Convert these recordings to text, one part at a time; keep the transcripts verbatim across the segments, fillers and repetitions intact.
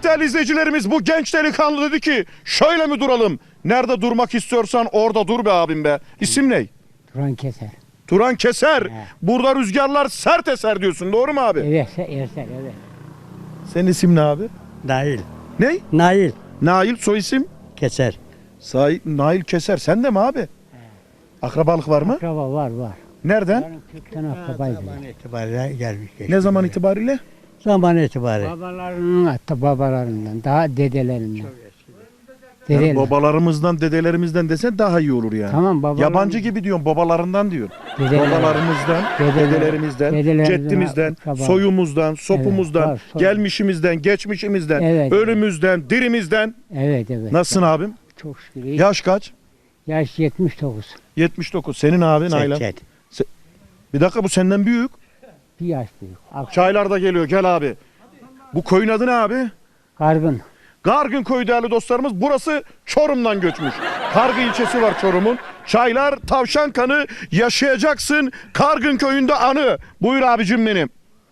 Evet değerli izleyicilerimiz, bu genç delikanlı dedi ki şöyle mi duralım? Nerede durmak istiyorsan orada dur be abim be. İsim ne? Turan Keser. Turan Keser. He. Burada rüzgarlar sert eser diyorsun, doğru mu abi? Evet, evet, evet. Senin isim ne abi? Nail. Ne? Nail. Nail, soy isim? Keser. Say Nail Keser. Sen de mi abi? Akrabalık var mı? Akraba var, var. Nereden? Kökten akrabaydı. Zaman itibariyle gelmiş. geçmiş. Ne zaman itibariyle? Zaman itibariyle. Babalarının hatta babalarından, daha dedelerinden. Yani Dedeler. babalarımızdan, dedelerimizden desen daha iyi olur yani. Tamam, babalar- Yabancı gibi diyorsun, babalarından diyor. Dedeler. Babalarımızdan, Dedeler. dedelerimizden, Dedelerimizden, ceddimizden, akraba. soyumuzdan, sopumuzdan, var, soy. gelmişimizden, geçmişimizden, Evet, ölümüzden, dirimizden. Evet, evet. Nasılsın abim? Çok şükür. iyi. Yaş kaç? Yaş yetmiş dokuz. yetmiş dokuz. Senin abi Nalan? Çek, çek. Bir dakika, bu senden büyük. Bir yaş büyük. Ak- Çaylar da geliyor, gel abi. Bu koyun adı ne abi? Kargın. Gargın köyü değerli dostlarımız. Burası Çorum'dan göçmüş. Kargı ilçesi var Çorum'un. Çaylar, tavşan kanı, yaşayacaksın Kargın köyünde anı. Buyur abicim benim.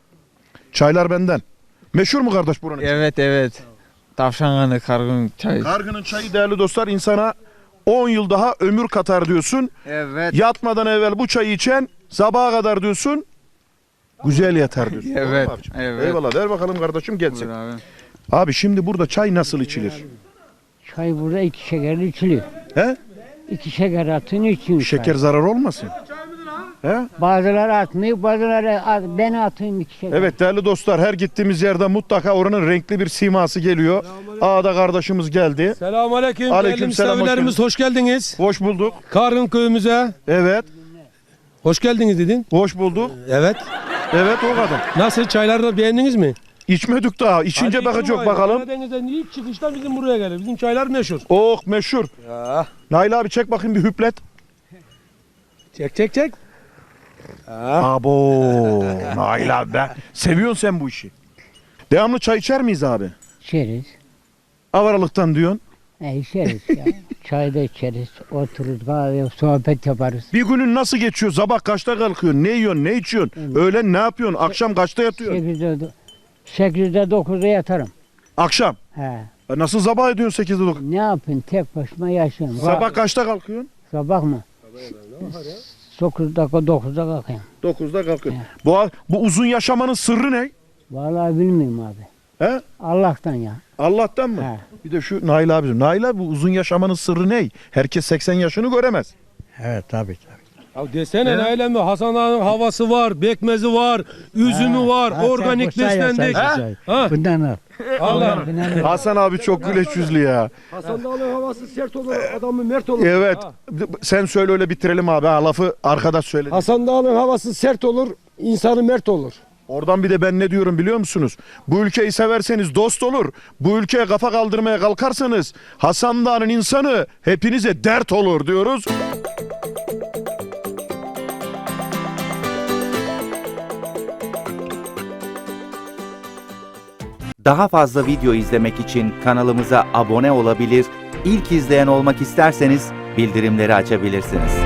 Çaylar benden. Meşhur mu kardeş buranın? Evet evet. Tavşan kanı kargın çay. Kargının çayı değerli dostlar insana on yıl daha ömür katar diyorsun. Evet. Yatmadan evvel bu çayı içen sabaha kadar diyorsun. Güzel yatar diyorsun. Doğru mu Evet. abicim? Evet. Eyvallah, ver bakalım kardeşim gelsin. Buyur abi. Abi şimdi burada çay nasıl içilir? Çay burada iki şekerli içiliyor. He? İki şeker atın için Şeker zarar olmasın. He? Bazıları atmıyor, bazıları at, ben atayım iki şeker. Evet değerli dostlar, her gittiğimiz yerde mutlaka oranın renkli bir siması geliyor. Ağda kardeşimiz geldi. Selamünaleyküm. Aleyküm Değerli selam, hoş misafirlerimiz hoş geldiniz. Hoş bulduk. Kargın köyümüze Evet, hoş geldiniz dedin. hoş bulduk. Evet. Evet o kadın. Nasıl, çayları beğendiniz mi? İçmedik daha. İçince Hadi bakacak için bakalım. Karadeniz'den ilk çıkışta bizim buraya gelir. Bizim çaylar meşhur. Oh meşhur. Ya. Nail abi çek bakayım bir hüplet. Çek çek çek. Abo. Nail abi be. Seviyorsun sen bu işi. Devamlı çay içer miyiz abi? İçeriz. Avaralıktan diyorsun. E içeriz ya. Çay da içeriz. Otururuz, kahve, sohbet yaparız. Bir günün nasıl geçiyor? Sabah kaçta kalkıyorsun? Ne yiyorsun? Ne içiyorsun? Öğlen ne yapıyorsun? Akşam kaçta yatıyorsun? Sekizde, sekizde dokuzda yatarım. Akşam. He. E Nasıl sabah ediyorsun sekizde dokuz? Ne yapayım? Tek başıma yaşıyorum. Sabah kaçta kalkıyorsun? Sabah mı? Dokuz dakika dokuzda kalkayım. dokuzda kalkıyorsun. Bu, bu uzun yaşamanın sırrı ne? Vallahi bilmiyorum abi. He? Allah'tan ya. Allah'tan mı? He. Bir de şu Nail abi. Nail abi bu uzun yaşamanın sırrı ne? Herkes seksen yaşını göremez. Evet tabii tabii. Ya desene Nail emmi, Hasan Ağa'nın havası var, bekmezi var, üzümü var, Ha, organik sen boşa beslendik. ya, Ha? sen- Ha? Bundan al. Allah. Bundan- Hasan abi çok güleç yüzlü ya. Hasan Dağ'ın havası sert olur, adamı mert olur. Evet. Sen söyle öyle bitirelim abi. Ha, lafı arkadaş söyledi. Hasan Dağ'ın havası sert olur, insanı mert olur. Oradan bir de ben ne diyorum biliyor musunuz? Bu ülkeyi severseniz dost olur. Bu ülkeye kafa kaldırmaya kalkarsanız Hasan Dağ'ın insanı hepinize dert olur diyoruz. Daha fazla video izlemek için kanalımıza abone olabilir, ilk izleyen olmak isterseniz bildirimleri açabilirsiniz.